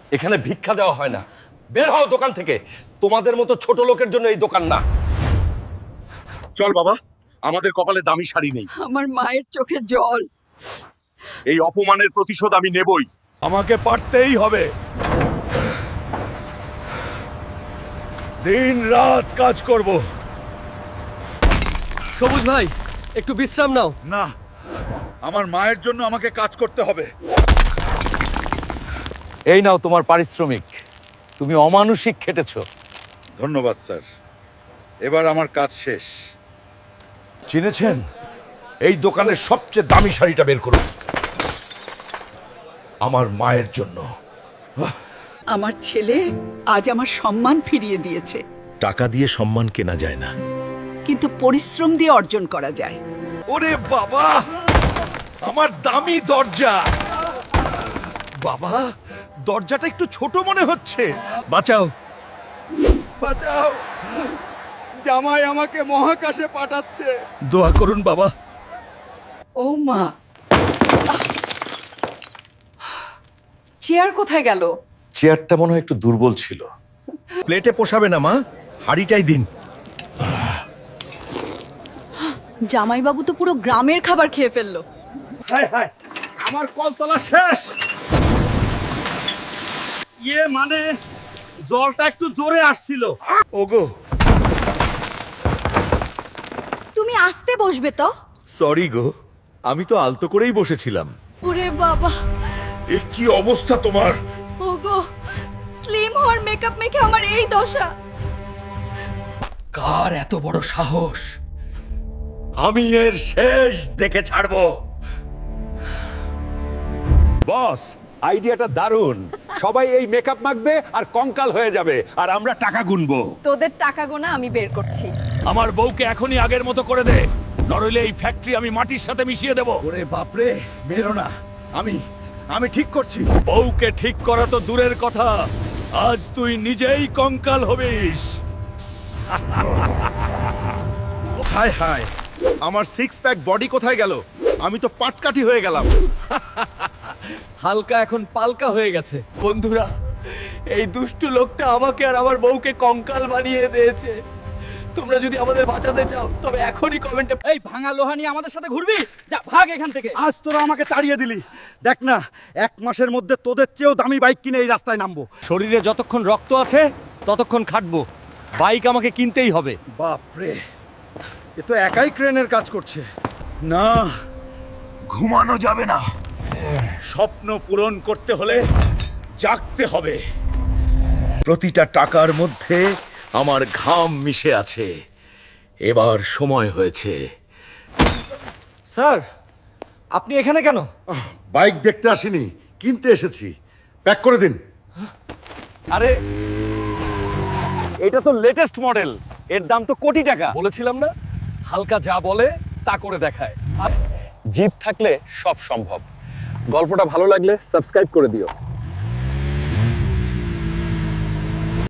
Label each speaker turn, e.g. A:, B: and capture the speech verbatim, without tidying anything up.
A: এখানে ভিক্ষা দেওয়া হয় না। বের হও দোকান থেকে। তোমাদের মতো ছোট লোকের জন্য এই দোকান না। চল বাবা, আমাদের কপালে দামি শাড়ি নেই।
B: আমার মায়ের চোখে জল।
A: এই অপমানের প্রতিশোধ আমি নেবই। আমাকে পারতেই হবে। দিন রাত কাজ করব।
C: সবুজ ভাই, একটু বিশ্রাম নাও।
A: না, আমার মায়ের জন্য আমাকে কাজ করতে হবে। এই নাও তোমার পারিশ্রমিক। তুমি অমানুষিক খেটেছো।
D: ধন্যবাদ স্যার, এবার আমার কাজ শেষ।
A: চিনেছেন? এই দোকানের সবচেয়ে দামি শাড়িটা বের করুন, আমার মায়ের জন্য।
B: আমার ছেলে আজ আমার সম্মান ফিরিয়ে দিয়েছে,
A: টাকা দিয়ে সম্মান কেনা যায় না,
B: কিন্তু পরিশ্রম দিয়ে অর্জন করা যায়।
A: ওরে বাবা, আমার দামি দরজা। বাবা, দরজাটা একটু ছোট মনে হচ্ছে।
C: বাঁচাও।
A: বাঁচাও, জামাই আমাকে মহাকাশে পাঠাচ্ছে।
C: দোয়া করুন বাবা।
B: ও মা, চেয়ার কোথায় গেল?
A: চেয়ারটা মনে হয় একটু দুর্বল ছিল। প্লেটে পোষাবে না মা, হাড়িটাই দিন।
E: জামাইবাবু তো পুরো গ্রামের খাবার খেয়ে ফেললো।
F: হায় হায়, আমার কলতলা শেষ। ইয়ে মানে জলটা একটু জোরে আসছিল।
A: ওগো,
E: তুমি আসতে বসবে তো।
A: সরি গো, আমি তো আলতো করেই বসেছিলাম।
E: ওরে বাবা,
A: এ কি অবস্থা তোমার?
E: ওগো, স্লিম হওয়ার মেকআপ মেখে আমার এই দশা।
A: কার এত বড় সাহস? আমি এর শেষ দেখে ছাড়বো। বস, আইডিয়াটা দারুণ। সবাই এই মেকআপ মাখবে আর কঙ্কাল হয়ে যাবে, আর আমরা টাকা গুনবো।
E: তোদের টাকা গোনা আমি বের করছি।
F: আমার বউকে এখনই আগের মতো করে দে, নরইলে এই ফ্যাক্টরি আমি মাটির সাথে মিশিয়ে দেব।
A: ওরে বাপরে, বেরো না। আমি আমি ঠিক করছি।
F: বউকে ঠিক করা তো দূরের কথা, আজ তুই নিজেই কঙ্কাল হবিস।
A: হায় হায়, আমার সিক্স প্যাক বডি কোথায় গেল? আমি তো পাটকাঠি হয়ে গেলাম।
C: হালকা এখন পালকা হয়ে গেছে। বন্ধুরা, এই দুষ্টু লোকটা আমাকে আর আমার বউকে কঙ্কাল বানিয়ে দিয়েছে। তোমরা যদি আমাদের বাঁচাতে চাও তবে এখনই কমেন্টে।
F: এই ভাঙা লোহা নিয়ে আমাদের সাথে ঘুরবি? যা, ভাগ এখান থেকে।
D: আজ তোরা আমাকে তাড়িয়ে দিলি, দেখ না এক মাসের মধ্যে তোদের চেয়েও দামি বাইক কিনে এই রাস্তায় নামবো।
C: শরীরে যতক্ষণ রক্ত আছে ততক্ষণ খাটবো। বাইক আমাকে কিনতেই হবে।
D: বাপরে, এ তো একাই ক্রেনের কাজ করছে।
A: না, ঘুমানো যাবে না। স্বপ্ন পূরণ করতে হলে জাগতে হবে। প্রতিটা টাকার মধ্যে আমার ঘাম মিশে আছে। এবার সময় হয়েছে।
C: স্যার, আপনি এখানে কেন?
D: বাইক দেখতে আসিনি, কিনতে এসেছি। প্যাক করে দিন।
C: আরে, এটা তো লেটেস্ট মডেল, এর দাম তো কোটি টাকা।
A: বলেছিলাম না, হালকা যা বলে তা করে দেখায়।
C: জিদ থাকলে সব সম্ভব। গল্পটা ভালো লাগলে সাবস্ক্রাইব করে দিও।